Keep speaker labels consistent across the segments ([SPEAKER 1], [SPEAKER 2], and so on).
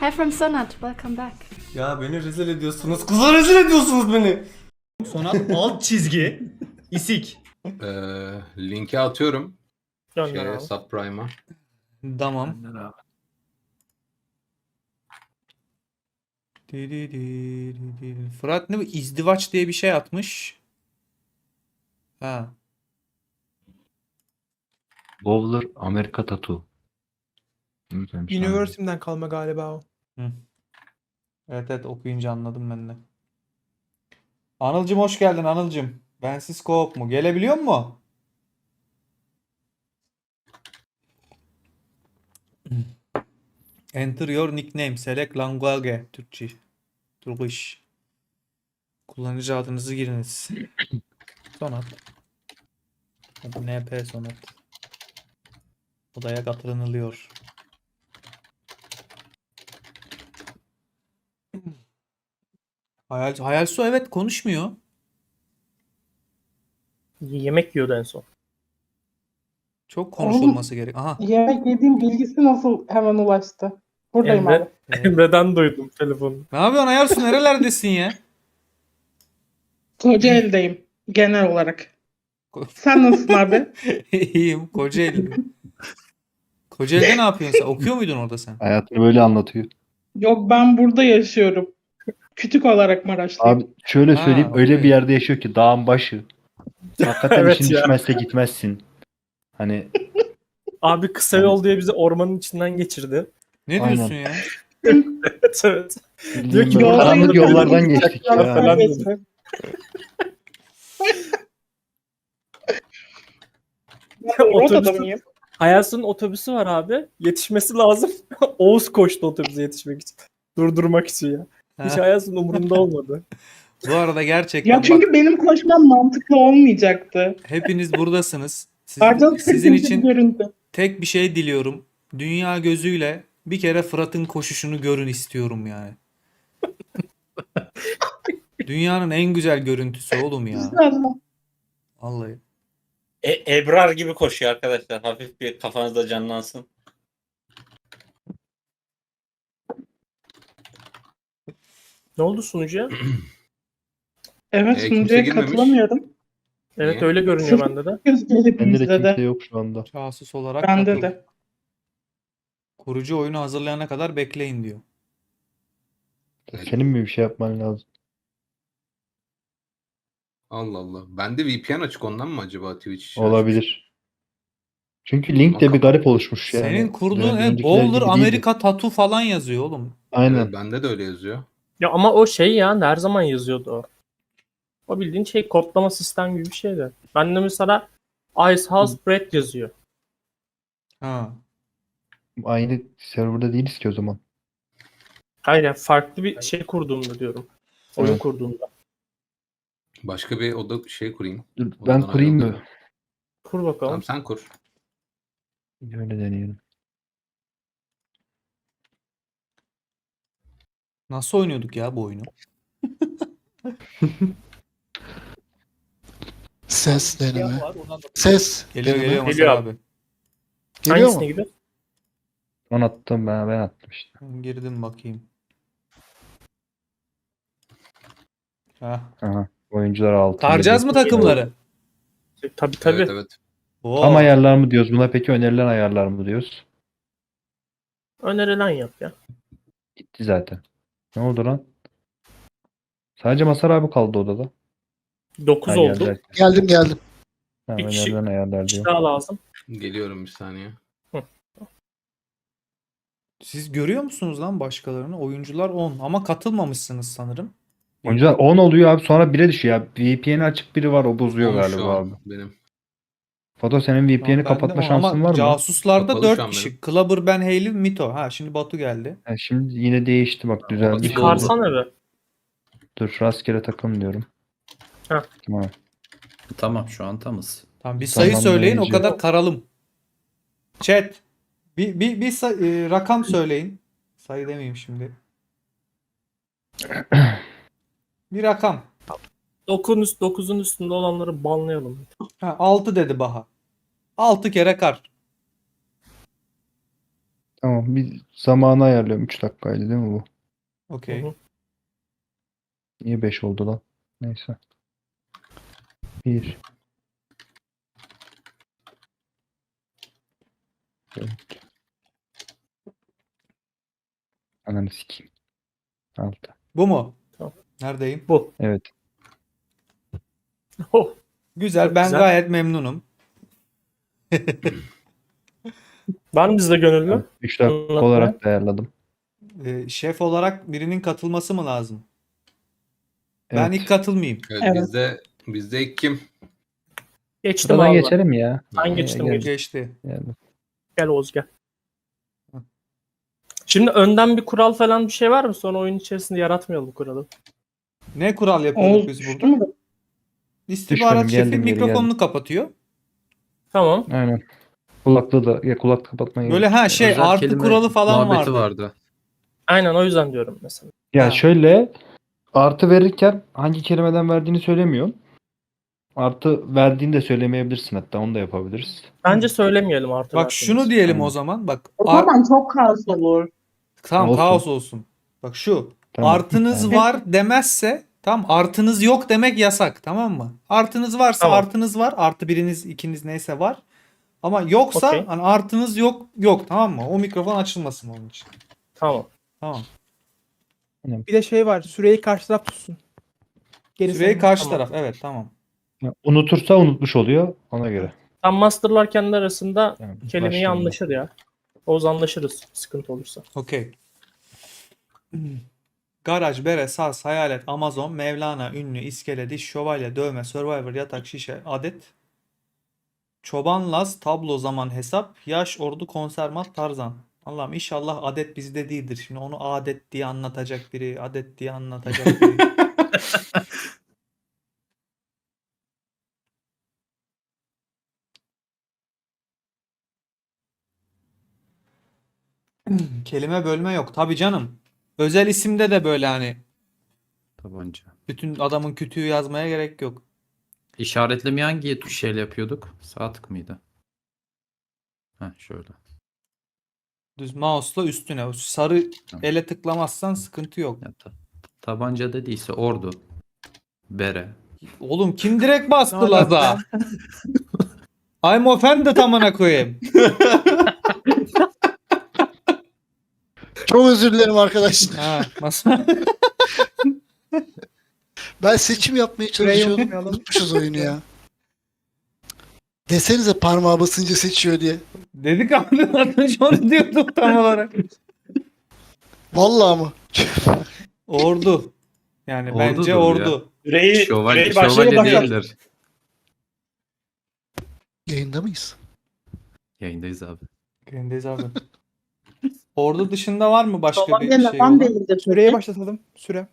[SPEAKER 1] Hi from Sonat, welcome back.
[SPEAKER 2] Ya beni rezil ediyorsunuz. Kızlar rezil ediyorsunuz beni.
[SPEAKER 3] Sonat alt çizgi isik.
[SPEAKER 4] Linki atıyorum.
[SPEAKER 5] Gönder abi.
[SPEAKER 4] Subprime'a.
[SPEAKER 2] Tamam. Fırat ne bu? İzdivaç diye bir şey atmış. Ha.
[SPEAKER 6] Bowler Amerika Tattoo.
[SPEAKER 5] University'den kalma galiba o.
[SPEAKER 2] Evet evet, okuyunca anladım ben de. Anılcım hoş geldin Anılcım. Bensiz co-op mu? Gelebiliyor mu? Enter your nickname. Select language. Türkçe. Turkish. Kullanıcı adınızı giriniz. Sonat. Adı NP Sonat. Odaya katılınılıyor. Hayal Su evet konuşmuyor.
[SPEAKER 5] Yemek yiyordu en son.
[SPEAKER 2] Çok konuşulması gerek. Aha.
[SPEAKER 7] Yemek yediğim bilgisi nasıl hemen ulaştı? Buradayım abi.
[SPEAKER 5] Emre'den duydum telefonu.
[SPEAKER 2] Ne yapıyorsun Hayal Su, nerelerdesin ya?
[SPEAKER 7] Kocaeli'deyim genel olarak. Sen nasılsın abi?
[SPEAKER 2] İyiyim. Kocaeli. Kocaeli'de ne yapıyorsun sen? Okuyor muydun orada sen?
[SPEAKER 6] Hayatını böyle anlatıyor.
[SPEAKER 7] Yok, ben burada yaşıyorum. Kütük olarak Maraşlıyım.
[SPEAKER 6] Abi şöyle
[SPEAKER 2] Ha,
[SPEAKER 6] söyleyeyim, öyle
[SPEAKER 2] okey.
[SPEAKER 6] bir yerde yaşıyor ki dağın başı. Hakikaten
[SPEAKER 5] Evet
[SPEAKER 6] işin
[SPEAKER 5] ya.
[SPEAKER 6] düşmezse gitmezsin. Hani
[SPEAKER 5] Abi kısa yol diye bizi ormanın içinden geçirdi.
[SPEAKER 2] Ne
[SPEAKER 6] Aynen.
[SPEAKER 2] diyorsun ya?
[SPEAKER 5] Evet evet.
[SPEAKER 6] bildiğin
[SPEAKER 5] ki
[SPEAKER 6] böyle
[SPEAKER 5] burada
[SPEAKER 6] karanlık
[SPEAKER 7] yolda
[SPEAKER 6] yollardan
[SPEAKER 7] yürüyorum,
[SPEAKER 6] geçtik
[SPEAKER 5] uçaklarla
[SPEAKER 6] ya.
[SPEAKER 5] falan.
[SPEAKER 7] Rota'da
[SPEAKER 5] Otobüsü-
[SPEAKER 7] mıyım?
[SPEAKER 5] Hayas'ın otobüsü var abi. Yetişmesi lazım. Oğuz koştu otobüse yetişmek için. Durdurmak için ya. Hiç
[SPEAKER 2] Ha.
[SPEAKER 5] Hayas'ın umurunda olmadı.
[SPEAKER 2] Bu arada gerçekten
[SPEAKER 7] Ya
[SPEAKER 2] bak,
[SPEAKER 7] çünkü benim koşmam mantıklı olmayacaktı.
[SPEAKER 2] hepiniz buradasınız.
[SPEAKER 7] Pardon,
[SPEAKER 2] Sizin
[SPEAKER 7] bir
[SPEAKER 2] için
[SPEAKER 7] görüntü.
[SPEAKER 2] tek bir şey diliyorum. Dünya gözüyle bir kere Fırat'ın koşuşunu görün istiyorum yani. Dünyanın en güzel görüntüsü oğlum ya.
[SPEAKER 7] İnşallah.
[SPEAKER 2] Vallahi.
[SPEAKER 8] Ebrar gibi koşuyor arkadaşlar. Hafif bir kafanızda canlansın.
[SPEAKER 5] Ne oldu sunucuya?
[SPEAKER 7] Evet,
[SPEAKER 4] kimse
[SPEAKER 7] sunucuya
[SPEAKER 4] girmemiş.
[SPEAKER 7] katılamıyorum.
[SPEAKER 5] Evet
[SPEAKER 4] Niye?
[SPEAKER 5] öyle görünüyor bende de.
[SPEAKER 7] Göz gelip
[SPEAKER 6] Bende de
[SPEAKER 7] bizde
[SPEAKER 6] kimse
[SPEAKER 7] de.
[SPEAKER 6] yok şu anda.
[SPEAKER 2] Casus olarak
[SPEAKER 7] Bende
[SPEAKER 2] katıl.
[SPEAKER 7] de.
[SPEAKER 2] Kurucu oyunu hazırlayana kadar bekleyin diyor.
[SPEAKER 6] Senin mi bir şey yapman lazım?
[SPEAKER 4] Allah Allah. Bende VPN açık, ondan mı acaba Twitch açmış?
[SPEAKER 6] Olabilir. Çünkü link de bir garip oluşmuş yani.
[SPEAKER 2] Senin kurduğun
[SPEAKER 6] Öncekiler
[SPEAKER 2] Bowler
[SPEAKER 6] gibi değildi.
[SPEAKER 2] Amerika Tattoo falan yazıyor oğlum.
[SPEAKER 6] Aynen.
[SPEAKER 4] Evet, bende de öyle yazıyor.
[SPEAKER 5] Ya ama o şey ya her zaman yazıyordu o. O bildiğin şey kodlama sistem gibi bir şeydi. Bende mesela Ice House Bread yazıyor.
[SPEAKER 2] Ha.
[SPEAKER 6] Aynı serverda değiliz ki o zaman.
[SPEAKER 5] Hayır yani farklı bir şey kurduğumda diyorum. Oyun
[SPEAKER 6] Evet.
[SPEAKER 5] kurduğumda.
[SPEAKER 4] Başka bir oda kurayım.
[SPEAKER 6] Dur,
[SPEAKER 4] Odadan
[SPEAKER 6] ben kurayım mı?
[SPEAKER 4] ayrıldım.
[SPEAKER 5] Kur bakalım.
[SPEAKER 4] Tamam, sen kur.
[SPEAKER 6] Öyle deneyelim.
[SPEAKER 2] Nasıl oynuyorduk ya bu oyunu?
[SPEAKER 9] Ses deneme.
[SPEAKER 5] Var, oradan da-
[SPEAKER 9] Ses
[SPEAKER 2] Geliyor
[SPEAKER 9] deneme.
[SPEAKER 2] geliyor
[SPEAKER 5] Geliyor
[SPEAKER 2] Masar
[SPEAKER 5] abi.
[SPEAKER 2] abi.
[SPEAKER 9] Geliyor
[SPEAKER 5] Hangisine
[SPEAKER 9] mu?
[SPEAKER 5] gidiyor?
[SPEAKER 6] Ben attım, ben attım işte.
[SPEAKER 2] Ben girdim bakayım. Heh.
[SPEAKER 6] Aha. Oyuncular altı.
[SPEAKER 2] Taracağız mı takımları?
[SPEAKER 5] Tabii tabii.
[SPEAKER 4] Evet evet.
[SPEAKER 2] Oo.
[SPEAKER 6] Tam ayarlar mı diyoruz buna, peki önerilen ayarlar mı diyoruz?
[SPEAKER 5] Önerilen yap ya.
[SPEAKER 6] Gitti zaten. Ne oldu lan? Sadece Masar abi kaldı odada.
[SPEAKER 5] 9
[SPEAKER 6] Ha,
[SPEAKER 5] oldu.
[SPEAKER 6] geldiler.
[SPEAKER 9] Geldim.
[SPEAKER 6] Tamam,
[SPEAKER 5] Bir kişi-
[SPEAKER 6] önerilen ayarlar
[SPEAKER 5] Bir
[SPEAKER 6] diyor.
[SPEAKER 5] daha lazım.
[SPEAKER 4] Geliyorum bir saniye.
[SPEAKER 2] Siz görüyor musunuz lan başkalarını? Oyuncular 10 ama katılmamışsınız sanırım.
[SPEAKER 6] Oyuncular 10 oluyor abi, sonra 1'e düşüyor ya. VPN'i açık biri var, o bozuyor
[SPEAKER 4] 10 şu
[SPEAKER 6] galiba
[SPEAKER 4] an
[SPEAKER 6] abi.
[SPEAKER 4] benim.
[SPEAKER 6] Fato, senin VPN'i
[SPEAKER 2] Tamam, ben de
[SPEAKER 6] kapatma
[SPEAKER 2] 10
[SPEAKER 6] şansın
[SPEAKER 2] ama
[SPEAKER 6] var mı?
[SPEAKER 2] casuslarda
[SPEAKER 4] Kapalı şu
[SPEAKER 2] 4
[SPEAKER 4] an
[SPEAKER 2] kişi. Clubber, Ben, Hayley, Mito. Ha şimdi Batu geldi.
[SPEAKER 6] Ha, şimdi yine değişti bak, düzeldi.
[SPEAKER 5] Çıkarsana be.
[SPEAKER 6] Dur, rastgele takım diyorum.
[SPEAKER 5] Heh.
[SPEAKER 6] Tamam.
[SPEAKER 3] Tamam şu an tamız.
[SPEAKER 2] Tamam, bir sayı
[SPEAKER 6] Tamam,
[SPEAKER 2] söyleyin, o
[SPEAKER 6] neyce.
[SPEAKER 2] kadar karalım. Chat. Rakam söyleyin. Sayı demeyeyim şimdi. Bir rakam.
[SPEAKER 5] 9'un üstünde olanları banlayalım.
[SPEAKER 2] Ha, 6 dedi Baha. 6 kere kar.
[SPEAKER 6] Tamam, bir zamanı ayarlıyorum. 3 dakikaydı değil mi bu?
[SPEAKER 2] Okey.
[SPEAKER 5] Hı hı.
[SPEAKER 6] Niye 5 oldu lan? Neyse. 1 4 Ananı sikeyim. 6
[SPEAKER 2] Bu mu?
[SPEAKER 5] Tamam.
[SPEAKER 2] Neredeyim?
[SPEAKER 5] Bu.
[SPEAKER 6] Evet.
[SPEAKER 5] Oh,
[SPEAKER 2] Güzel.
[SPEAKER 5] Çok
[SPEAKER 2] Ben
[SPEAKER 5] güzel.
[SPEAKER 2] gayet memnunum.
[SPEAKER 5] var mı bizde gönüllü?
[SPEAKER 6] 3 dakika
[SPEAKER 5] Anlatmaya.
[SPEAKER 6] olarak da ayarladım.
[SPEAKER 2] Şef olarak birinin katılması mı lazım? Ben
[SPEAKER 6] Evet.
[SPEAKER 2] ilk katılmayayım.
[SPEAKER 4] Evet,
[SPEAKER 7] Evet.
[SPEAKER 4] bizde ilk kim?
[SPEAKER 5] Geçtim
[SPEAKER 6] Sıradan
[SPEAKER 5] abi.
[SPEAKER 6] geçelim ya.
[SPEAKER 5] Ben geçtim
[SPEAKER 6] gel.
[SPEAKER 5] geçtim.
[SPEAKER 2] Geçti.
[SPEAKER 6] Yani.
[SPEAKER 5] Gel Oğuz gel.
[SPEAKER 2] Hı.
[SPEAKER 5] Şimdi önden bir kural falan bir şey var mı? Sonra oyun içerisinde yaratmayalım bu kuralı.
[SPEAKER 2] Ne kural yapıyorduk
[SPEAKER 7] Oğuz
[SPEAKER 2] biz
[SPEAKER 7] düştü
[SPEAKER 2] burada?
[SPEAKER 7] mü?
[SPEAKER 2] İstihbarat
[SPEAKER 6] Düşmedim,
[SPEAKER 2] şefi
[SPEAKER 6] geldim geri,
[SPEAKER 2] mikrofonunu kapatıyor.
[SPEAKER 5] Tamam.
[SPEAKER 6] Aynen. Kulaklığı da ya kulak kapatmayı.
[SPEAKER 2] Böyle
[SPEAKER 3] Özel
[SPEAKER 2] artı
[SPEAKER 3] kelime
[SPEAKER 2] kuralı falan
[SPEAKER 3] muhabbeti
[SPEAKER 2] vardı.
[SPEAKER 3] vardı.
[SPEAKER 5] Aynen o yüzden diyorum mesela.
[SPEAKER 6] Ya
[SPEAKER 2] Ha.
[SPEAKER 6] şöyle artı verirken hangi kelimeden verdiğini söylemiyorum. Artı verdiğini de söylemeyebilirsin, hatta onu da yapabiliriz.
[SPEAKER 5] Bence söylemeyelim artık.
[SPEAKER 2] Bak şunu diyelim
[SPEAKER 6] Aynen.
[SPEAKER 2] o zaman. Bak
[SPEAKER 7] O zaman çok kaos olur.
[SPEAKER 2] tamam
[SPEAKER 6] Olsun.
[SPEAKER 2] kaos olsun. Bak şu.
[SPEAKER 6] Tamam.
[SPEAKER 2] Artınız
[SPEAKER 6] Aynen.
[SPEAKER 2] var demezse tam artınız yok demek yasak, tamam mı? Artınız varsa
[SPEAKER 5] Tamam.
[SPEAKER 2] artınız var. Artı biriniz ikiniz neyse var. Ama yoksa
[SPEAKER 5] Okey.
[SPEAKER 2] hani artınız yok, tamam mı? O mikrofon açılmasın onun için.
[SPEAKER 5] Tamam.
[SPEAKER 2] Tamam.
[SPEAKER 1] Bir de şey var. Süreyi karşı taraf tutsun. Gerisi
[SPEAKER 2] Süreyi
[SPEAKER 1] önemli.
[SPEAKER 2] karşı
[SPEAKER 5] Tamam.
[SPEAKER 2] taraf. Evet, tamam.
[SPEAKER 6] Ya, unutursa unutmuş oluyor ona göre.
[SPEAKER 5] Tam masterlar kendi arasında
[SPEAKER 6] Yani
[SPEAKER 5] kelimeyi
[SPEAKER 6] başlayalım.
[SPEAKER 5] anlaşır ya. Oğuz anlaşırız sıkıntı olursa.
[SPEAKER 2] Okey. Garaj, bere, saz, hayalet, Amazon, Mevlana, ünlü, iskele, diş, şövalye, dövme, Survivor, yatak, şişe, adet, çoban, Laz, tablo, zaman, hesap, yaş, ordu, konsermat, Tarzan. Allah'ım inşallah adet bizde değildir. Şimdi onu adet diye anlatacak biri, adet diye anlatacak biri. Kelime bölme yok. Tabii canım. Özel isimde de böyle hani
[SPEAKER 3] Tabanca.
[SPEAKER 2] bütün adamın kütüğü yazmaya gerek yok.
[SPEAKER 3] İşaretlemeyi hangi tuşla yapıyorduk? Sağ tık mıydı? Heh, şöyle.
[SPEAKER 2] Düz mouse'la üstüne. O sarı
[SPEAKER 3] Tamam.
[SPEAKER 2] ele tıklamazsan sıkıntı yok.
[SPEAKER 3] Ya, tabanca dediyse ordu. Bere.
[SPEAKER 2] Oğlum kim direkt bastı
[SPEAKER 1] Ne
[SPEAKER 2] Laz'a?
[SPEAKER 1] alaka?
[SPEAKER 2] I'm offended amına koyayım.
[SPEAKER 9] Çok özür dilerim arkadaşlar.
[SPEAKER 2] Ha, masa.
[SPEAKER 9] Ben seçim yapmaya
[SPEAKER 1] Süreyi
[SPEAKER 9] çalışıyordum.
[SPEAKER 1] unutmayalım.
[SPEAKER 9] Unutmuşuz oyunu ya. Desenize parmağı basınca seçiyor diye.
[SPEAKER 2] Dedik ama onu diyordum tam olarak.
[SPEAKER 9] Vallahi mı?
[SPEAKER 2] Ordu. Yani
[SPEAKER 3] Ordudur
[SPEAKER 2] bence
[SPEAKER 3] ya.
[SPEAKER 2] ordu.
[SPEAKER 8] Süreyi
[SPEAKER 3] Şövalye
[SPEAKER 8] başlayalım bakalım.
[SPEAKER 3] değildir.
[SPEAKER 9] Yayında mıyız?
[SPEAKER 3] Yayındayız abi.
[SPEAKER 2] Göndeyiz abi. Ordu dışında var mı başka
[SPEAKER 7] Şövalye
[SPEAKER 2] bir şey
[SPEAKER 7] neden
[SPEAKER 2] olan?
[SPEAKER 7] değildir?
[SPEAKER 1] Süreyi başlatalım. Süre.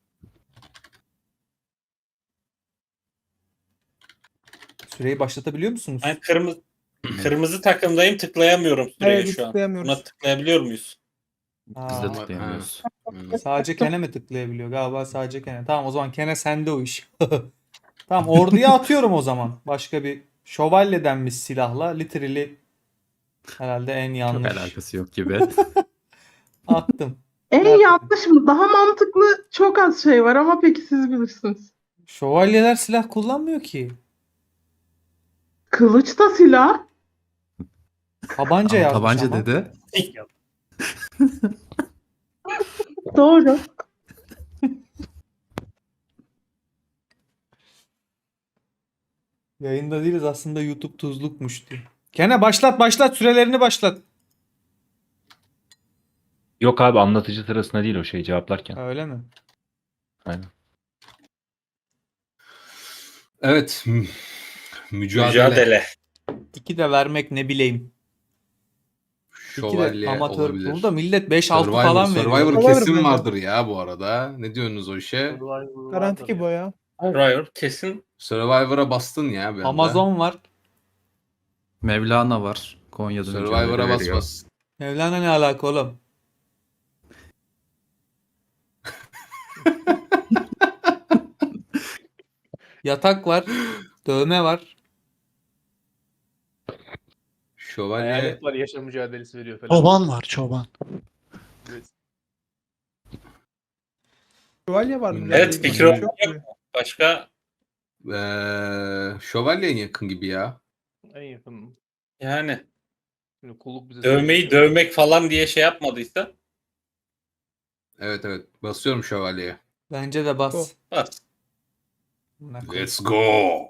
[SPEAKER 2] Süreyi başlatabiliyor musunuz?
[SPEAKER 8] Ben kırmızı takımdayım, tıklayamıyorum süreye
[SPEAKER 1] Evet, biz
[SPEAKER 8] şu an.
[SPEAKER 1] tıklayamıyoruz.
[SPEAKER 8] Buna tıklayabiliyor muyuz?
[SPEAKER 3] Biz
[SPEAKER 2] Aa,
[SPEAKER 3] de tıklayamıyoruz.
[SPEAKER 2] sadece Kene mi tıklayabiliyor? Galiba sadece Kene. Tamam o zaman Kene sende o iş. Tamam orduya atıyorum o zaman. Başka bir şövalye denmiş silahla. Literally herhalde en
[SPEAKER 3] Çok
[SPEAKER 2] yanlış.
[SPEAKER 3] alakası yok gibi.
[SPEAKER 2] Attım.
[SPEAKER 7] En
[SPEAKER 2] Zaten.
[SPEAKER 7] yanlış mı? Daha mantıklı çok az şey var ama peki siz bilirsiniz.
[SPEAKER 2] Şövalyeler silah kullanmıyor ki.
[SPEAKER 7] Kılıç da silah.
[SPEAKER 2] Tabanca
[SPEAKER 3] Ama
[SPEAKER 2] yazmış
[SPEAKER 3] tabanca
[SPEAKER 2] ama.
[SPEAKER 3] dedi.
[SPEAKER 7] Doğru.
[SPEAKER 2] Yayında değiliz aslında YouTube tuzlukmuş diyor. Kene başlat sürelerini başlat.
[SPEAKER 6] Yok abi, anlatıcı sırasında değil o şey, cevaplarken.
[SPEAKER 2] Öyle mi?
[SPEAKER 6] Aynen.
[SPEAKER 4] Evet. Mücadele.
[SPEAKER 8] Mücadele.
[SPEAKER 2] İki de vermek ne bileyim. İki de
[SPEAKER 4] Şövalye
[SPEAKER 2] amatör.
[SPEAKER 4] olabilir.
[SPEAKER 2] Burada millet 5-6 falan veriyor.
[SPEAKER 4] Survivor
[SPEAKER 1] Survivor
[SPEAKER 4] kesin
[SPEAKER 1] bence.
[SPEAKER 4] vardır ya bu arada. Ne diyorsunuz o işe?
[SPEAKER 1] Garanti ki bu ya.
[SPEAKER 8] Survivor kesin.
[SPEAKER 4] Survivor'a bastın ya bir anda.
[SPEAKER 2] Amazon var.
[SPEAKER 3] Mevlana var. Konya'da
[SPEAKER 4] Survivor'a
[SPEAKER 3] mücadele
[SPEAKER 4] bas
[SPEAKER 3] veriyor.
[SPEAKER 4] bas.
[SPEAKER 2] Mevlana ne alaka oğlum? Yatak var. Dövme var.
[SPEAKER 4] Şövalye.
[SPEAKER 10] Hayalet var, yaşam mücadelesi veriyor falan.
[SPEAKER 9] Çoban var çoban.
[SPEAKER 1] Şövalye var mı?
[SPEAKER 8] Evet,
[SPEAKER 1] Başka
[SPEAKER 8] fikrim
[SPEAKER 1] bir şey yok mu?
[SPEAKER 8] Başka
[SPEAKER 4] Şövalye en yakın gibi ya.
[SPEAKER 10] En yakın.
[SPEAKER 8] yani
[SPEAKER 10] Şimdi kulluk bize
[SPEAKER 8] dövmeyi
[SPEAKER 10] söylüyor.
[SPEAKER 8] dövmek falan diye şey yapmadıysa
[SPEAKER 4] Evet evet. Basıyorum şövalyeye.
[SPEAKER 2] Bence de bas.
[SPEAKER 8] bas.
[SPEAKER 2] Amına koyayım.
[SPEAKER 4] Let's go.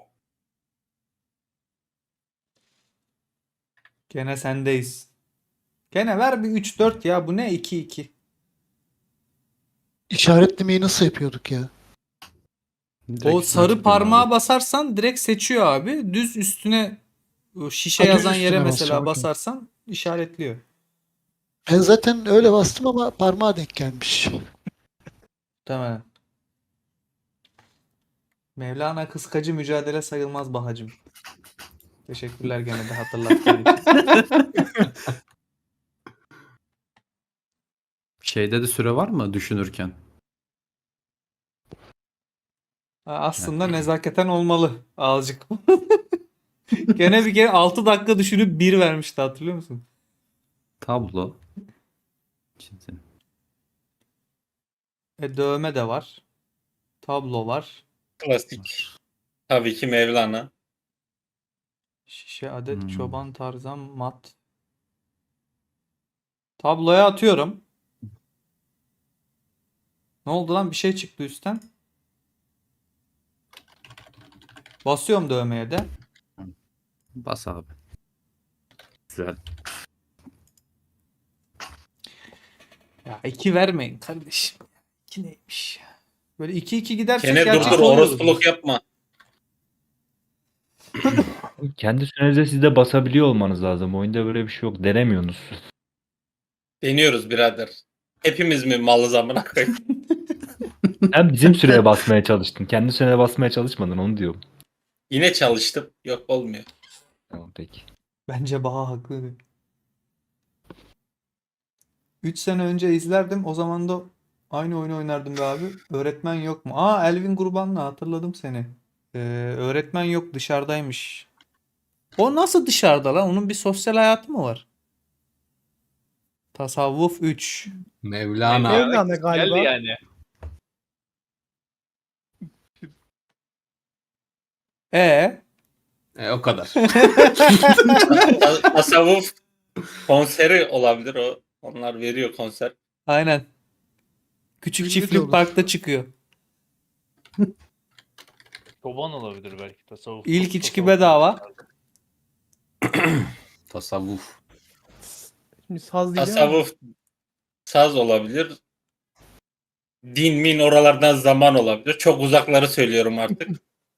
[SPEAKER 2] Gene sendeyiz. Gene ver bir 3-4 ya. Bu ne 2-2?
[SPEAKER 9] İşaretlemeyi nasıl yapıyorduk ya?
[SPEAKER 2] O sarı parmağa basarsan direkt seçiyor abi. Düz üstüne o şişe
[SPEAKER 9] Ha, düz
[SPEAKER 2] yazan yere
[SPEAKER 9] üstüne
[SPEAKER 2] mesela
[SPEAKER 9] basacağım, okey.
[SPEAKER 2] basarsan işaretliyor.
[SPEAKER 9] Ben zaten öyle bastım ama parmağa denk gelmiş.
[SPEAKER 2] Muhtemelen. Mevlana kıskacı mücadele sayılmaz Bahacım. Teşekkürler gene de hatırlattığın için.
[SPEAKER 3] Şeyde de süre var mı düşünürken?
[SPEAKER 2] Aslında nezaketen olmalı azıcık. Gene bir kere 6 dakika düşünüp 1 vermişti, hatırlıyor musun?
[SPEAKER 3] Tablo. Çizim.
[SPEAKER 2] Dövme de var. Tablo var.
[SPEAKER 8] Klasik. Tabii ki Mevlana.
[SPEAKER 2] Şişe, adet,
[SPEAKER 3] Hmm.
[SPEAKER 2] çoban, tarzan, mat. Tabloya atıyorum. Ne oldu lan? Bir şey çıktı üstten. Basıyorum dövmeye de.
[SPEAKER 3] Bas abi. Güzel.
[SPEAKER 2] Ya 2 vermeyin kardeşim. 2 neymiş? Böyle 2-2 gidersek
[SPEAKER 8] Gene dur
[SPEAKER 2] gerçek
[SPEAKER 8] dur,
[SPEAKER 2] oluyoruz.
[SPEAKER 8] orospuluk yapma.
[SPEAKER 6] Kendi sürenize siz de basabiliyor olmanız lazım. Oyunda böyle bir şey yok. Denemiyorsunuz.
[SPEAKER 8] Deniyoruz birader. Hepimiz mi malız amına koyayım?
[SPEAKER 6] Sen bizim süreye basmaya çalıştın. Kendi sürene basmaya çalışmadın, onu diyorum.
[SPEAKER 8] Yine çalıştım. Yok, olmuyor.
[SPEAKER 6] Tamam peki.
[SPEAKER 2] Bence Baha haklı. 3 sene önce izlerdim. O zaman da aynı oyunu oynardım be abi. Öğretmen yok mu? Aa, Elvin Kurban'la hatırladım seni. Öğretmen yok, dışarıdaymış. O nasıl dışarıda lan? Onun bir sosyal hayatı mı var? Tasavvuf 3.
[SPEAKER 4] Mevlana.
[SPEAKER 1] Mevlana galiba.
[SPEAKER 10] Geldi yani.
[SPEAKER 4] O kadar.
[SPEAKER 8] Tasavvuf konseri olabilir o. Onlar veriyor konser.
[SPEAKER 2] Aynen. Küçük
[SPEAKER 9] Ünlü de
[SPEAKER 2] çiftlik
[SPEAKER 9] olur.
[SPEAKER 2] parkta çıkıyor.
[SPEAKER 10] Çoban olabilir belki. Tasavvuf.
[SPEAKER 2] İlk içki
[SPEAKER 10] tasavvuf-
[SPEAKER 2] bedava.
[SPEAKER 4] Tasavvuf.
[SPEAKER 1] Şimdi saz değil ama.
[SPEAKER 8] Tasavvuf saz olabilir. Din min oralardan zaman olabilir. Çok uzakları söylüyorum artık.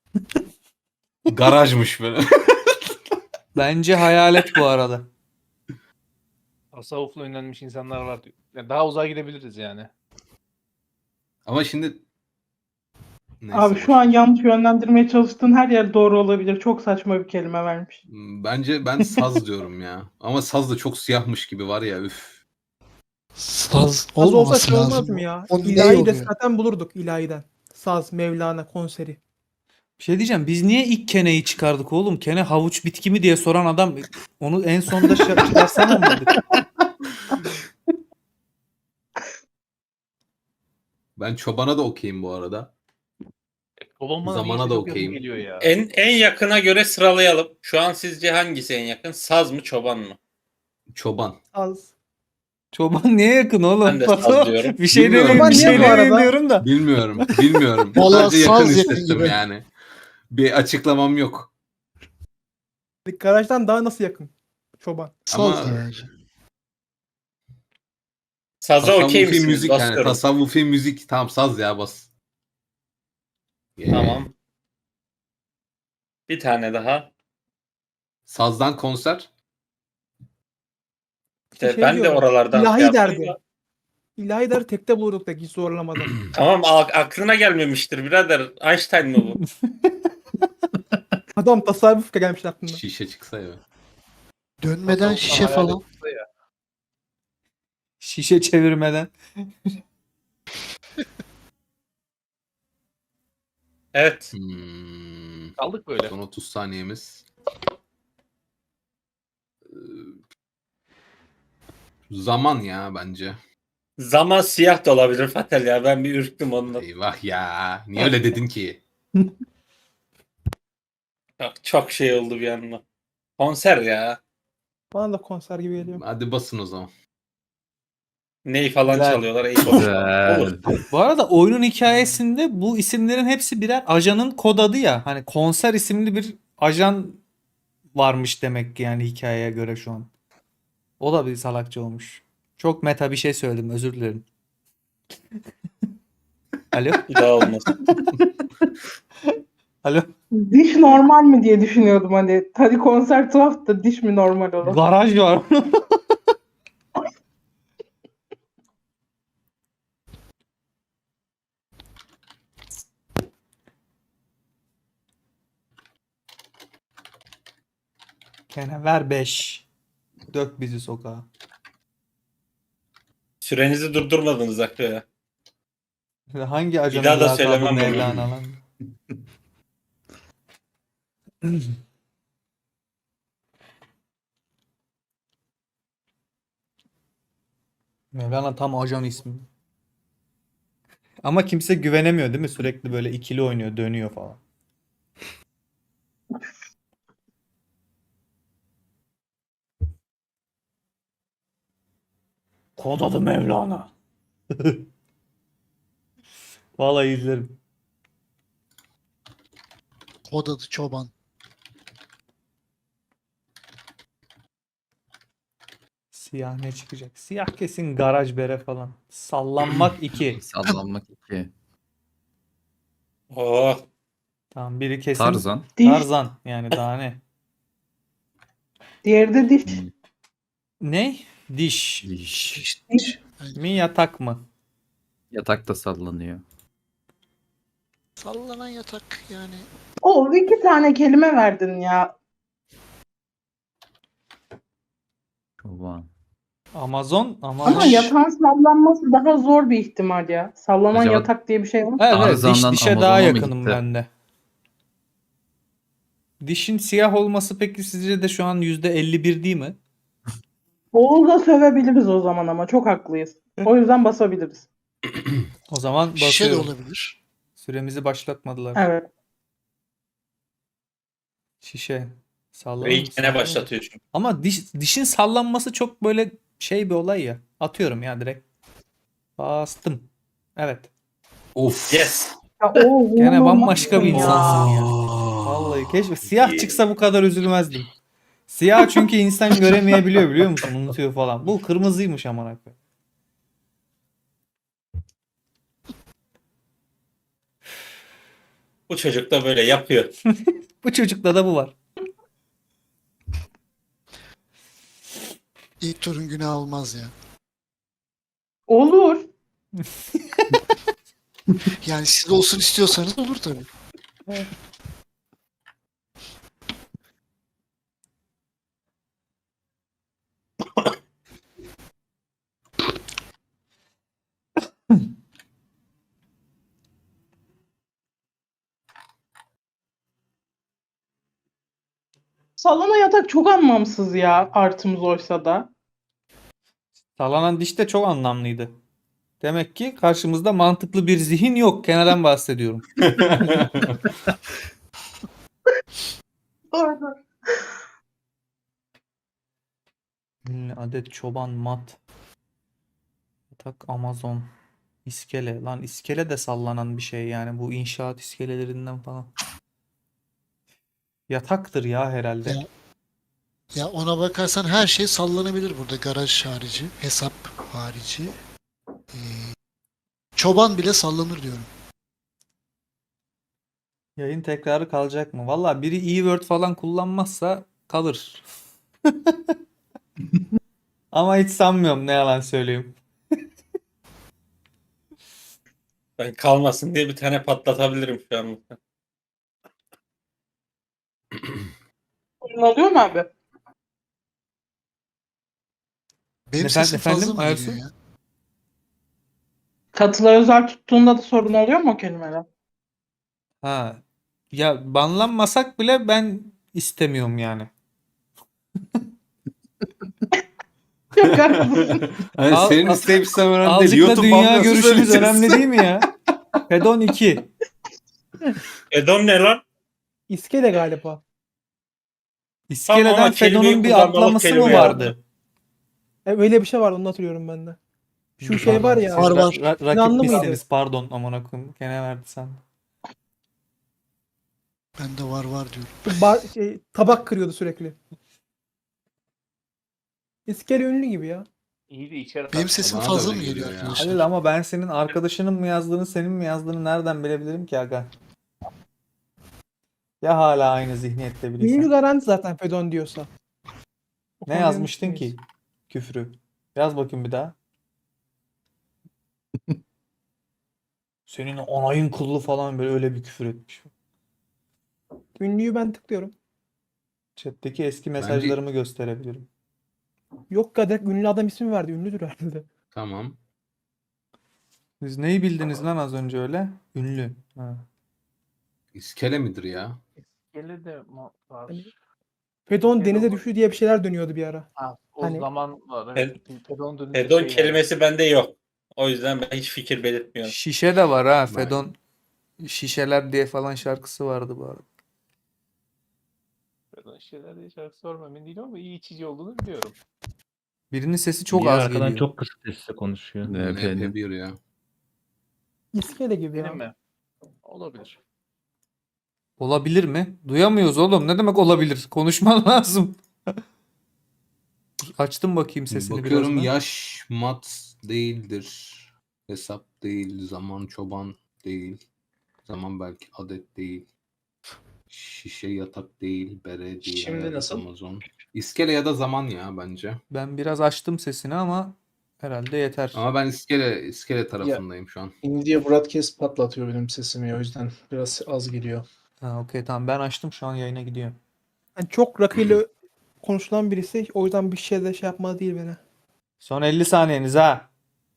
[SPEAKER 4] Garajmış böyle.
[SPEAKER 2] Bence hayalet bu arada.
[SPEAKER 10] Tasavvufla ünlenmiş insanlar var. Yani daha uzağa gidebiliriz yani.
[SPEAKER 4] Ama şimdi neyse,
[SPEAKER 7] Abi
[SPEAKER 4] boş.
[SPEAKER 7] şu an yanlış yönlendirmeye çalıştığın her yer doğru olabilir. Çok saçma bir kelime vermiş.
[SPEAKER 4] Bence ben saz diyorum ya. Ama saz da çok siyahmış gibi var ya, üf.
[SPEAKER 9] Saz
[SPEAKER 1] Saz olsa
[SPEAKER 9] olmaması
[SPEAKER 1] şey olmaz
[SPEAKER 9] lazım.
[SPEAKER 1] mı ya?
[SPEAKER 9] O ne
[SPEAKER 1] İlahi de
[SPEAKER 9] oluyor?
[SPEAKER 1] zaten bulurduk ilahiden. Saz, Mevlana konseri.
[SPEAKER 2] Bir şey diyeceğim. Biz niye ilk keneyi çıkardık oğlum? Kene havuç bitki mi diye soran adam onu en sonunda çıkarsana mı dedik?
[SPEAKER 4] Ben çobana da okeyim bu arada.
[SPEAKER 10] Çoban bana
[SPEAKER 4] Zamana
[SPEAKER 10] niyeyse
[SPEAKER 4] da
[SPEAKER 10] çok yakın
[SPEAKER 4] okeyim.
[SPEAKER 10] geliyor ya.
[SPEAKER 8] En yakına göre sıralayalım. Şu an sizce hangisi en yakın? Saz mı, çoban mı?
[SPEAKER 4] Çoban.
[SPEAKER 1] Saz.
[SPEAKER 2] Çoban niye yakın oğlum?
[SPEAKER 8] Ben de
[SPEAKER 2] Batu,
[SPEAKER 8] sallıyorum.
[SPEAKER 2] bir şey
[SPEAKER 4] Bilmiyorum.
[SPEAKER 2] demeyeyim, bir
[SPEAKER 1] Çoban
[SPEAKER 2] şey
[SPEAKER 1] niye bu arada?
[SPEAKER 2] demeyeyim diyorum da.
[SPEAKER 4] Bilmiyorum. Bilmiyorum.
[SPEAKER 9] Vallahi
[SPEAKER 4] Sadece yakın
[SPEAKER 9] saz yakın
[SPEAKER 4] hissettim
[SPEAKER 9] gibi.
[SPEAKER 4] yani. Bir açıklamam yok.
[SPEAKER 1] Garajdan daha nasıl yakın? Çoban.
[SPEAKER 9] Saz
[SPEAKER 4] Ama-
[SPEAKER 9] da bence.
[SPEAKER 8] Saza okey
[SPEAKER 4] Tasavvufi
[SPEAKER 8] misiniz?
[SPEAKER 4] müzik yani.
[SPEAKER 8] Basıyorum.
[SPEAKER 4] Tasavvufi müzik. Tamam, saz ya, bas.
[SPEAKER 8] Tamam. Bir tane daha.
[SPEAKER 4] Sazdan konser.
[SPEAKER 8] İşte
[SPEAKER 1] Şey
[SPEAKER 8] ben de
[SPEAKER 1] diyorum,
[SPEAKER 8] oralardan
[SPEAKER 1] İlahi
[SPEAKER 8] şey yaptım
[SPEAKER 1] derdi.
[SPEAKER 8] da.
[SPEAKER 1] İlahi der tekte bulurduk da hiç zorlamadan.
[SPEAKER 8] Tamam, aklına gelmemiştir birader. Einstein mı bu?
[SPEAKER 1] Adam tasavvuf gelmiş aklına.
[SPEAKER 4] Şişe çıksa ya.
[SPEAKER 9] Dönmeden
[SPEAKER 10] Tasavvufla
[SPEAKER 9] şişe
[SPEAKER 10] hayalet
[SPEAKER 9] falan.
[SPEAKER 10] çıksa ya.
[SPEAKER 2] Şişe çevirmeden.
[SPEAKER 8] Evet.
[SPEAKER 4] Hmm.
[SPEAKER 10] Kaldık böyle.
[SPEAKER 4] Son 30 saniyemiz. Zaman ya bence.
[SPEAKER 8] Zaman siyah da olabilir Fatel ya. Ben bir ürktüm ondan.
[SPEAKER 4] Eyvah ya. Niye öyle dedin ki?
[SPEAKER 8] Çok şey oldu bir anda. Konser ya.
[SPEAKER 1] Bana da konser gibi geliyor.
[SPEAKER 4] Hadi basın o zaman.
[SPEAKER 8] Ney falan
[SPEAKER 2] Güzel.
[SPEAKER 8] çalıyorlar. İyi boş ver. Olur.
[SPEAKER 2] Bu arada oyunun hikayesinde bu isimlerin hepsi birer ajanın kod adı ya. Hani konser isimli bir ajan varmış demek ki yani hikayeye göre şu an. O da bir salakça olmuş. Çok meta bir şey söyledim, özür dilerim. Alo?
[SPEAKER 8] Bir daha olmaz.
[SPEAKER 2] Alo?
[SPEAKER 7] Diş normal mi diye düşünüyordum hani. Hadi konser tuhaf da diş mi normal olur?
[SPEAKER 2] Garaj var. Gene ver 5. Dök bizi sokağa.
[SPEAKER 8] Sürenizi durdurmadınız Hakkı ya.
[SPEAKER 2] Hangi ajanın
[SPEAKER 8] daha da
[SPEAKER 2] lakabı
[SPEAKER 8] söylemem bunu.
[SPEAKER 2] Mevlana lan? Mevlana tam ajan ismi. Ama kimse güvenemiyor değil mi? Sürekli böyle ikili oynuyor, dönüyor falan. Kod adı Mevlana. Vallahi izlerim.
[SPEAKER 9] Kod adı Çoban.
[SPEAKER 2] Siyah ne çıkacak? Siyah kesin garaj bere falan. Sallanmak 2.
[SPEAKER 3] Sallanmak 2.
[SPEAKER 8] Oh.
[SPEAKER 2] Tamam biri kesin.
[SPEAKER 3] Tarzan.
[SPEAKER 7] Diş.
[SPEAKER 2] Tarzan yani daha ne?
[SPEAKER 7] Diğeri de diş.
[SPEAKER 2] Ne? Diş.
[SPEAKER 3] Diş.
[SPEAKER 2] Mi yatak mı?
[SPEAKER 3] Yatakta sallanıyor.
[SPEAKER 9] Sallanan yatak yani.
[SPEAKER 7] O 2 tane kelime verdin ya.
[SPEAKER 3] Çoban.
[SPEAKER 2] Amazon.
[SPEAKER 7] Ama yatağın sallanması daha zor bir ihtimal ya. Sallanan
[SPEAKER 3] Acaba-
[SPEAKER 7] yatak diye bir şey var.
[SPEAKER 2] Evet, evet,
[SPEAKER 3] Tarzan'dan
[SPEAKER 2] dişe
[SPEAKER 3] Amazon'a
[SPEAKER 2] daha
[SPEAKER 3] mı
[SPEAKER 2] yakınım
[SPEAKER 3] gitti?
[SPEAKER 2] ben de. Dişin siyah olması peki sizce de şu an %51 değil mi?
[SPEAKER 7] Oğuz'a sövebiliriz o zaman ama çok haklıyız. O yüzden basabiliriz.
[SPEAKER 2] O zaman
[SPEAKER 9] Şişe de
[SPEAKER 2] basıyorum.
[SPEAKER 9] olabilir.
[SPEAKER 2] Süremizi başlatmadılar.
[SPEAKER 7] Evet.
[SPEAKER 2] Şişe. Sallanır
[SPEAKER 8] Ve
[SPEAKER 2] mı?
[SPEAKER 8] ilk gene başlatıyor çünkü.
[SPEAKER 2] Ama dişin sallanması çok böyle şey bir olay ya. Atıyorum ya direkt. Bastım. Evet.
[SPEAKER 4] Of.
[SPEAKER 8] Yes.
[SPEAKER 7] Ya, Oğuz,
[SPEAKER 2] Gene
[SPEAKER 7] inanılmaz
[SPEAKER 2] bambaşka bir
[SPEAKER 7] ya.
[SPEAKER 2] insansın ya. Vallahi keşke siyah çıksa bu kadar üzülmezdim. Siyah çünkü insan göremeyebiliyor biliyor musun? Unutuyor falan. Bu kırmızıymış amına koyayım.
[SPEAKER 8] Bu çocuk da böyle yapıyor.
[SPEAKER 2] Bu çocukta da bu var.
[SPEAKER 9] İlk turun günah olmaz ya.
[SPEAKER 7] Olur.
[SPEAKER 9] Yani siz olsun istiyorsanız olur tabii.
[SPEAKER 7] Sallanan yatak çok anlamsız ya artımız oysa da.
[SPEAKER 2] Sallanan diş de çok anlamlıydı. Demek ki karşımızda mantıklı bir zihin yok. Kenardan bahsediyorum.
[SPEAKER 7] Doğru.
[SPEAKER 2] Adet çoban mat. Yatak Amazon. İskele. Lan iskele de sallanan bir şey yani. Bu inşaat iskelelerinden falan. Yataktır ya herhalde.
[SPEAKER 9] Ya. Ya ona bakarsan her şey sallanabilir burada. Garaj harici, hesap harici. Çoban bile sallanır diyorum.
[SPEAKER 2] Yayın tekrarı kalacak mı? Valla biri e-word falan kullanmazsa kalır. Ama hiç sanmıyorum ne yalan söyleyeyim.
[SPEAKER 8] Ben kalmasın diye bir tane patlatabilirim şu an.
[SPEAKER 7] Sorun oluyor mu abi?
[SPEAKER 9] Benim
[SPEAKER 2] Efendim-
[SPEAKER 9] sesim fazla
[SPEAKER 2] efendim,
[SPEAKER 9] mı
[SPEAKER 2] Aysu?
[SPEAKER 9] geliyor ya?
[SPEAKER 7] Katıla özel tuttuğunda da sorun oluyor mu o kelimeler?
[SPEAKER 2] Ha. Ya banlanmasak bile ben istemiyorum yani.
[SPEAKER 7] Çok haklısın.
[SPEAKER 4] Hani
[SPEAKER 2] Al-
[SPEAKER 4] senin
[SPEAKER 2] al-
[SPEAKER 4] isteyip önemli değil.
[SPEAKER 2] Azıcık da
[SPEAKER 4] YouTube
[SPEAKER 2] dünya
[SPEAKER 4] banyosu
[SPEAKER 2] görüşümüz
[SPEAKER 4] söyleyeceğiz.
[SPEAKER 2] önemli değil mi ya? Fedon 2.
[SPEAKER 8] Edon ne lan?
[SPEAKER 1] İskele galiba.
[SPEAKER 2] İskeleden
[SPEAKER 8] Tamam ama kelimeyi
[SPEAKER 2] Fedon'un bir
[SPEAKER 8] kullanmalık
[SPEAKER 2] atlaması mı
[SPEAKER 8] kelime
[SPEAKER 2] vardı?
[SPEAKER 8] yaptı.
[SPEAKER 1] Öyle bir şey vardı, onu hatırlıyorum ben de. Şu şey var ya.
[SPEAKER 9] Var, var.
[SPEAKER 1] İnanlı
[SPEAKER 2] Rakip
[SPEAKER 1] mıydı?
[SPEAKER 2] misiniz? Pardon amına koyayım. Gene verdi sen.
[SPEAKER 9] Bende var diyorum.
[SPEAKER 1] Tabak kırıyordu sürekli. İskele ünlü gibi ya.
[SPEAKER 10] İyi de içeri
[SPEAKER 9] Benim sesim
[SPEAKER 4] Bana da
[SPEAKER 9] fazla
[SPEAKER 4] öyle
[SPEAKER 9] mı geliyor
[SPEAKER 4] geliyor ya.
[SPEAKER 9] arkadaşlar?
[SPEAKER 2] Halil ama ben senin arkadaşının mı yazdığını, senin mi yazdığını nereden bilebilirim ki aga? Ya hala aynı zihniyette
[SPEAKER 1] Ünlü
[SPEAKER 2] biriysen.
[SPEAKER 1] garanti zaten Fedon diyorsa. O
[SPEAKER 2] Ne
[SPEAKER 1] konuda
[SPEAKER 2] yazmıştın
[SPEAKER 1] emin
[SPEAKER 2] ki?
[SPEAKER 1] miyiz?
[SPEAKER 2] Küfrü. Yaz bakayım bir daha. Senin onayın kullu falan böyle öyle bir küfür etmiş.
[SPEAKER 1] Ünlüyü ben tıklıyorum.
[SPEAKER 2] Chat'teki eski mesajlarımı gösterebilirim.
[SPEAKER 1] Yok ya, direkt ünlü adam ismi verdi. Ünlüdür herhalde.
[SPEAKER 4] Tamam.
[SPEAKER 2] Siz neyi bildiniz lan az önce öyle? Ünlü. Ha.
[SPEAKER 4] İskele midir ya?
[SPEAKER 10] Gele de var.
[SPEAKER 1] Fedon
[SPEAKER 10] Fedon-
[SPEAKER 1] denize düştü diye bir şeyler dönüyordu bir ara.
[SPEAKER 10] Ha, o
[SPEAKER 1] Hani-
[SPEAKER 10] zaman var. Evet. Fedon dönünce
[SPEAKER 8] Edon
[SPEAKER 10] şey
[SPEAKER 8] kelimesi bende yok. O yüzden ben hiç fikir belirtmiyorum.
[SPEAKER 2] Şişe de var ha.
[SPEAKER 4] Ben-
[SPEAKER 2] Fedon Şişeler diye falan şarkısı vardı bu arada.
[SPEAKER 10] Yani. Fedon şeyler diye şarkı sormam emin değilim ama iyi içici olduğunu biliyorum.
[SPEAKER 2] Birinin sesi çok
[SPEAKER 6] Niye
[SPEAKER 2] az
[SPEAKER 6] arkadan
[SPEAKER 2] geliyor.
[SPEAKER 6] çok kısık sesle konuşuyor.
[SPEAKER 3] NP'nin.
[SPEAKER 4] NP1 ya.
[SPEAKER 1] İskele gibi ya.
[SPEAKER 10] Benim mi? Olabilir.
[SPEAKER 2] Olabilir mi? Duyamıyoruz oğlum. Ne demek olabilir? Konuşman lazım. Dur, açtım bakayım sesini
[SPEAKER 4] Bakıyorum
[SPEAKER 2] biraz da.
[SPEAKER 4] yaş mat değildir. Hesap değil. Zaman çoban değil. Zaman belki adet değil. Şişe yatak değil. Bere değil.
[SPEAKER 11] Şimdi
[SPEAKER 4] herhalde
[SPEAKER 11] nasıl?
[SPEAKER 4] Amazon. İskele ya da zaman ya bence.
[SPEAKER 2] Ben biraz açtım sesini ama herhalde yeter.
[SPEAKER 4] Ama ben iskele tarafındayım şu an.
[SPEAKER 11] Nvidia Broadcast patlatıyor benim sesimi, o yüzden biraz az geliyor.
[SPEAKER 2] Ha, okey tamam ben açtım şu an yayına gidiyor.
[SPEAKER 1] Yani çok rakıyla konuşulan birisi, o yüzden bir şey de şey yapmalı değil beni.
[SPEAKER 2] Son 50 saniyeniz ha.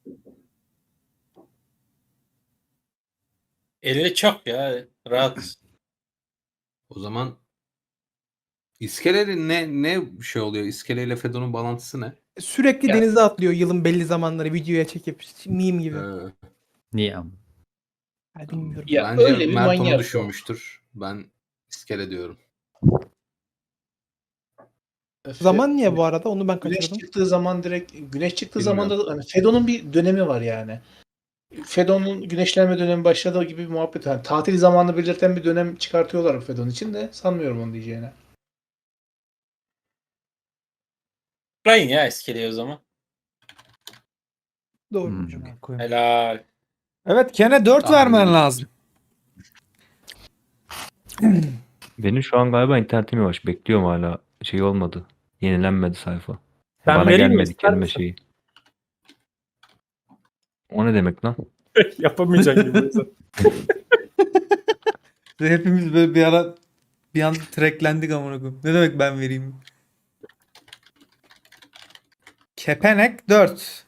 [SPEAKER 8] 50 çok ya. Rahat.
[SPEAKER 4] O zaman iskele ne şey oluyor? İskele ile Fedon'un bağlantısı ne?
[SPEAKER 1] Sürekli
[SPEAKER 8] Ya-
[SPEAKER 1] denize atlıyor yılın belli zamanları, videoya çekip meme gibi.
[SPEAKER 3] Niye ama?
[SPEAKER 1] Yani bilmiyorum.
[SPEAKER 11] Ya
[SPEAKER 4] Bence
[SPEAKER 11] öyle bir
[SPEAKER 4] Mert onu
[SPEAKER 11] manyak o.
[SPEAKER 4] düşünmüştür. Ben iskele diyorum.
[SPEAKER 1] Zaman niye bu arada? Onu ben
[SPEAKER 11] Güneş
[SPEAKER 1] kaçırdım.
[SPEAKER 11] çıktığı zaman direkt güneş çıktığı
[SPEAKER 4] Bilmiyorum.
[SPEAKER 11] zaman da hani Fedon'un bir dönemi var yani. Fedon'un güneşlenme dönemi başladığı gibi bir muhabbet. Yani tatil zamanını belirten bir dönem çıkartıyorlar Fedon için de sanmıyorum onu diyeceğine.
[SPEAKER 8] Tıklayın ya iskeleye o zaman.
[SPEAKER 1] Doğru.
[SPEAKER 3] Hmm.
[SPEAKER 2] Koyayım.
[SPEAKER 8] Helal.
[SPEAKER 2] Evet Ken'e 4
[SPEAKER 4] Tahmin
[SPEAKER 2] vermen
[SPEAKER 4] ettim.
[SPEAKER 2] lazım.
[SPEAKER 6] Benim şu an galiba internetim yavaş. Bekliyorum hala. Şey olmadı. Yenilenmedi sayfa.
[SPEAKER 5] Ben
[SPEAKER 6] Bana
[SPEAKER 5] vereyim mi?
[SPEAKER 6] gelmedi
[SPEAKER 5] İster
[SPEAKER 6] kelime
[SPEAKER 5] misin?
[SPEAKER 6] şeyi. O ne demek lan?
[SPEAKER 5] Yapamayacaksın gibi.
[SPEAKER 2] Hepimiz böyle bir ara bir an tracklendik amına koyayım. Ne demek ben vereyim? Kepenek 4.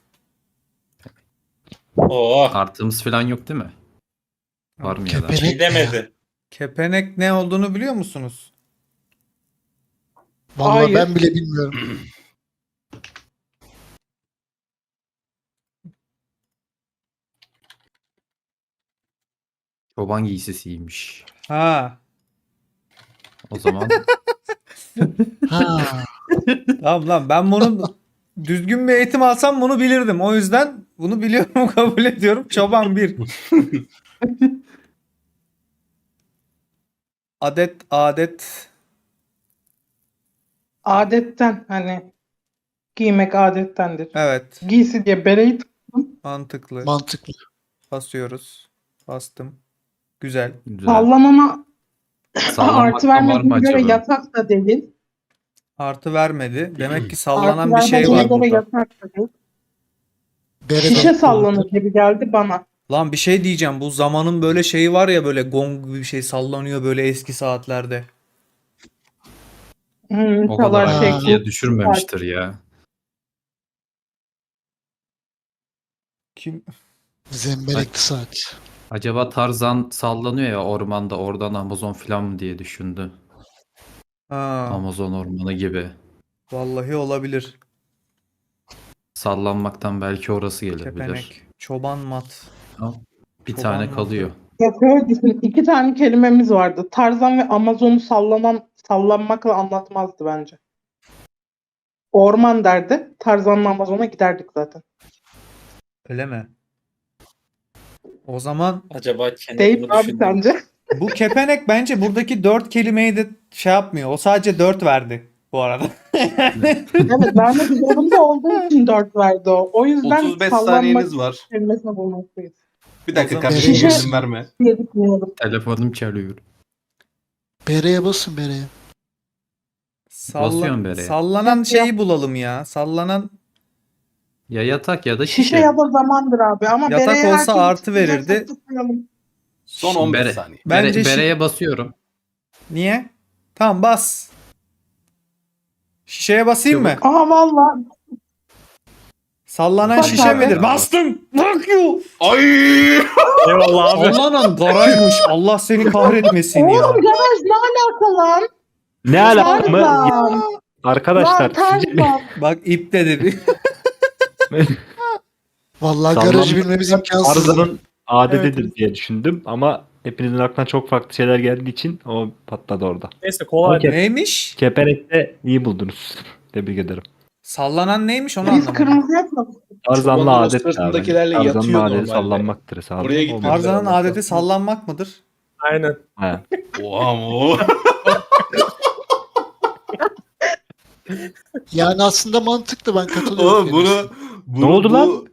[SPEAKER 8] Oo.
[SPEAKER 3] Artımız falan yok değil mi? Var mı ya da?
[SPEAKER 8] Bir şey demedi.
[SPEAKER 2] Kepenek ne olduğunu biliyor musunuz?
[SPEAKER 9] Vallahi
[SPEAKER 7] Hayır.
[SPEAKER 9] ben bile bilmiyorum.
[SPEAKER 3] Çoban giysisiymiş.
[SPEAKER 2] Ha.
[SPEAKER 3] O zaman
[SPEAKER 9] Ha,
[SPEAKER 2] Tamam lan ben bunu düzgün bir eğitim alsam bunu bilirdim. O yüzden bunu biliyorum kabul ediyorum. Çoban 1. Adet.
[SPEAKER 7] Adetten, hani giymek adettendir.
[SPEAKER 2] Evet.
[SPEAKER 7] Giysi diye bereyi
[SPEAKER 2] Mantıklı.
[SPEAKER 9] mantıklı.
[SPEAKER 2] Basıyoruz. Bastım. Güzel.
[SPEAKER 3] güzel.
[SPEAKER 7] sallanana artı
[SPEAKER 3] Sallanmaktan var mı
[SPEAKER 7] vermediğine göre
[SPEAKER 3] acaba?
[SPEAKER 7] yatak da değil.
[SPEAKER 2] Artı vermedi. Demek ki
[SPEAKER 7] Artı
[SPEAKER 2] sallanan bir şey
[SPEAKER 7] vermediğine
[SPEAKER 2] var
[SPEAKER 7] göre
[SPEAKER 2] burada.
[SPEAKER 7] yatak da değil.
[SPEAKER 9] Bereden
[SPEAKER 7] Şişe sallanır gibi geldi bana.
[SPEAKER 2] Lan bir şey diyeceğim. Bu zamanın böyle şeyi var ya böyle gong gibi bir şey sallanıyor böyle eski saatlerde.
[SPEAKER 3] O
[SPEAKER 7] Çalar
[SPEAKER 3] kadar
[SPEAKER 7] şey,
[SPEAKER 3] ayrıntıya düşürmemiştir ya.
[SPEAKER 2] Kim?
[SPEAKER 9] Zembelekli saat.
[SPEAKER 3] Acaba Tarzan sallanıyor ya ormanda, oradan Amazon falan mı diye düşündü.
[SPEAKER 2] Ha,
[SPEAKER 3] Amazon ormanı gibi.
[SPEAKER 2] vallahi olabilir.
[SPEAKER 3] Sallanmaktan belki orası gelebilir.
[SPEAKER 2] Kepenek. Çoban mat.
[SPEAKER 3] Bir
[SPEAKER 2] Çoban
[SPEAKER 3] tane
[SPEAKER 2] mı?
[SPEAKER 3] kalıyor.
[SPEAKER 7] Ya şöyle düşün, 2 tane kelimemiz vardı. Tarzan ve Amazon'u sallanmakla anlatmazdı bence. Orman derdi. Tarzan'la Amazon'a giderdik zaten.
[SPEAKER 2] Öyle mi? O zaman
[SPEAKER 8] Acaba kendi
[SPEAKER 7] Deyip
[SPEAKER 8] bunu
[SPEAKER 7] abi
[SPEAKER 8] düşündü mü?
[SPEAKER 7] sence?
[SPEAKER 2] bu kepenek bence buradaki 4 kelimeyi de şey yapmıyor. O sadece 4 verdi bu arada.
[SPEAKER 7] Evet, vermek zorunda olduğu için 4 verdi o. O yüzden
[SPEAKER 4] 35
[SPEAKER 7] sallanmak
[SPEAKER 4] saniyeniz var.
[SPEAKER 7] kelimesine bulmaktayız
[SPEAKER 4] Bir dakika
[SPEAKER 2] O zaman-
[SPEAKER 4] kardeşim
[SPEAKER 7] Şişe-
[SPEAKER 4] izin verme.
[SPEAKER 7] diye düşünüyorum.
[SPEAKER 3] Telefonum çalıyor.
[SPEAKER 9] Bereye basın bereye.
[SPEAKER 3] Basıyorum bereye.
[SPEAKER 2] Sallanan şeyi bulalım ya. Sallanan
[SPEAKER 3] Ya yatak ya da şişe.
[SPEAKER 7] Şişe ya da zamandır abi ama
[SPEAKER 2] Yatak
[SPEAKER 7] bereye
[SPEAKER 2] olsa
[SPEAKER 7] her türlü
[SPEAKER 2] artı
[SPEAKER 7] tutacaksak
[SPEAKER 2] verirdi.
[SPEAKER 7] tutmayalım.
[SPEAKER 4] Son 15 saniye.
[SPEAKER 2] Bence şi-
[SPEAKER 3] bereye basıyorum.
[SPEAKER 2] niye? Tamam bas. Şişeye basayım mı?
[SPEAKER 7] Aha valla
[SPEAKER 2] Sallanan
[SPEAKER 7] Bak
[SPEAKER 2] şişe
[SPEAKER 7] abi.
[SPEAKER 2] midir? Bastım. Fuck you.
[SPEAKER 4] Ay!
[SPEAKER 5] Eyvallah abi.
[SPEAKER 2] Sallanan garajmış. Allah seni kahretmesin ya.
[SPEAKER 7] oğlum garaj ne alaka lan?
[SPEAKER 6] Ne alaka mı?
[SPEAKER 7] Tarzan.
[SPEAKER 6] Arkadaşlar
[SPEAKER 7] Lan Tarzan.
[SPEAKER 2] Bak ip de dedi.
[SPEAKER 9] Vallahi
[SPEAKER 6] Sallanma-
[SPEAKER 9] garajı bilmemiz imkansız.
[SPEAKER 6] Tarzan'ın adetidir diye düşündüm ama hepinizin aklına çok farklı şeyler geldiği için o patladı orada.
[SPEAKER 5] Neyse kolay.
[SPEAKER 6] Okey.
[SPEAKER 2] Neymiş?
[SPEAKER 6] Kepenek'te iyi buldunuz. Tebrik ederim.
[SPEAKER 2] Sallanan neymiş onu
[SPEAKER 7] Biz
[SPEAKER 2] anlamadım.
[SPEAKER 7] kırmızı yapmadık.
[SPEAKER 6] Tarzan'la
[SPEAKER 11] Çobanın
[SPEAKER 6] adet
[SPEAKER 11] sırtındakilerle
[SPEAKER 6] abi.
[SPEAKER 11] yatıyor
[SPEAKER 6] Tarzan'la adeti
[SPEAKER 11] normalde.
[SPEAKER 6] sallanmaktır hesabı.
[SPEAKER 11] Oraya
[SPEAKER 6] O-
[SPEAKER 11] gitmemiz
[SPEAKER 2] Tarzan'ın
[SPEAKER 11] lazım.
[SPEAKER 2] adeti sallanmak mıdır?
[SPEAKER 5] Aynen.
[SPEAKER 6] He.
[SPEAKER 4] Oha mu?
[SPEAKER 9] Yani aslında mantıklı, ben katılıyorum.
[SPEAKER 4] Oğlum bunu
[SPEAKER 6] Ne oldu lan?